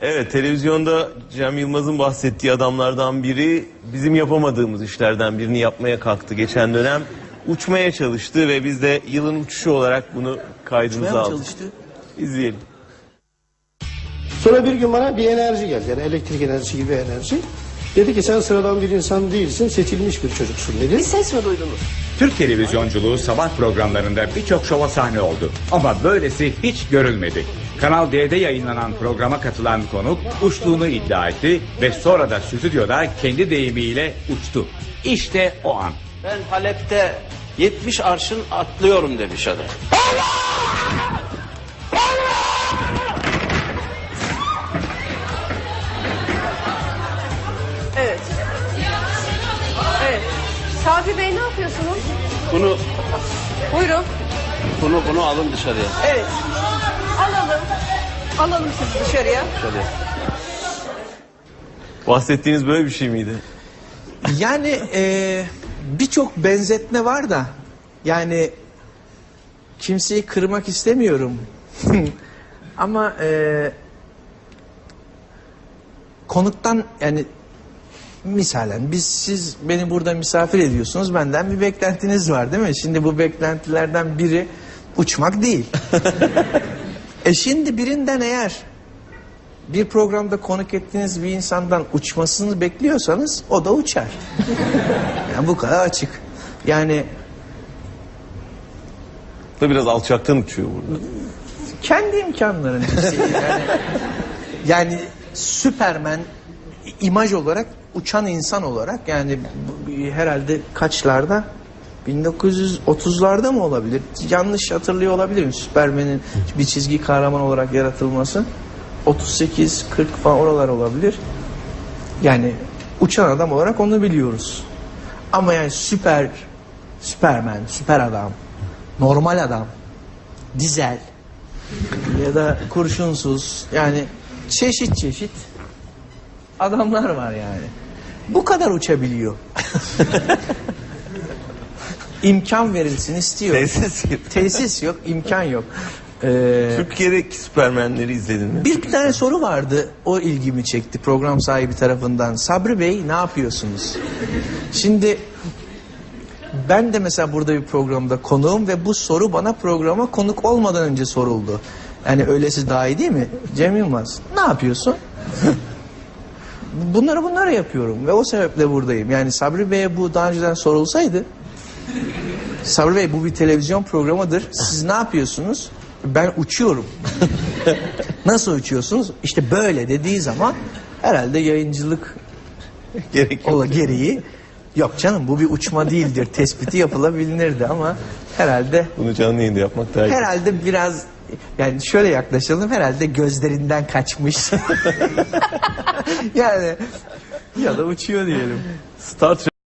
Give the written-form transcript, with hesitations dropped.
Evet, televizyonda Cem Yılmaz'ın bahsettiği adamlardan biri bizim yapamadığımız işlerden birini yapmaya kalktı. Geçen dönem uçmaya çalıştı ve biz de yılın uçuşu olarak bunu kaydımıza aldık. Çalıştı. İzleyelim. Sonra bir gün bana bir enerji geldi. Yani elektrik enerjisi gibi enerji. Dedi ki sen sıradan bir insan değilsin, seçilmiş bir çocuksun dedi. Bir ses mi duydunuz? Türk televizyonculuğu sabah programlarında birçok şova sahne oldu. Ama böylesi hiç görülmedi. Kanal D'de yayınlanan programa katılan konuk uçtuğunu iddia etti ve sonra da stüdyoda kendi deyimiyle uçtu. İşte o an. Ben Halep'te 70 arşın atlıyorum demiş adam. Evet. Evet. Sabri Bey ne yapıyorsunuz? Bunu Buyurun. bunu alın dışarıya. Evet. Alalım. Alalım sizi dışarıya. Dışarıya. Bahsettiğiniz böyle bir şey miydi? Yani birçok benzetme var da yani kimseyi kırmak istemiyorum. Ama konuktan yani misalen siz beni burada misafir ediyorsunuz, benden bir beklentiniz var değil mi? Şimdi bu beklentilerden biri uçmak değil. Şimdi birinden eğer bir programda konuk ettiğiniz bir insandan uçmasını bekliyorsanız o da uçar. Yani bu kadar açık. Yani Da biraz alçaktan uçuyor burada. kendi imkanlarının yani Süpermen imaj olarak uçan insan olarak yani herhalde kaçlarda 1930'larda mı olabilir? Yanlış hatırlıyor olabilirim. Süpermen'in bir çizgi kahraman olarak yaratılması 38-40 falan oralar olabilir. Yani uçan adam olarak onu biliyoruz. Ama yani Süpermen, süper adam, normal adam, dizel ya da kurşunsuz yani çeşit adamlar var yani. Bu kadar uçabiliyor. İmkan verilsin istiyor. Tesis yok, imkan yok. Türkiye'deki Süpermenleri izledin mi? Bir tane soru vardı, o ilgimi çekti program sahibi tarafından. Sabri Bey ne yapıyorsunuz? Şimdi ben de mesela burada bir programda konuğum ve bu soru bana programa konuk olmadan önce soruldu. Yani öylesi daha iyi değil mi? Cem Yılmaz ne yapıyorsun? Bunları yapıyorum ve o sebeple buradayım. Yani Sabri Bey'e bu daha önceden sorulsaydı, Sabri Bey bu bir televizyon programıdır, siz ne yapıyorsunuz? Ben uçuyorum. Nasıl uçuyorsunuz? İşte böyle dediği zaman herhalde yayıncılık gereği yok canım bu bir uçma değildir tespiti yapılabilirdi ama herhalde Bunu canlı yayında yapmak daha iyi. herhalde biraz yani şöyle yaklaşalım, herhalde gözlerinden kaçmış. Yani ya da uçuyor diyelim. Star Trek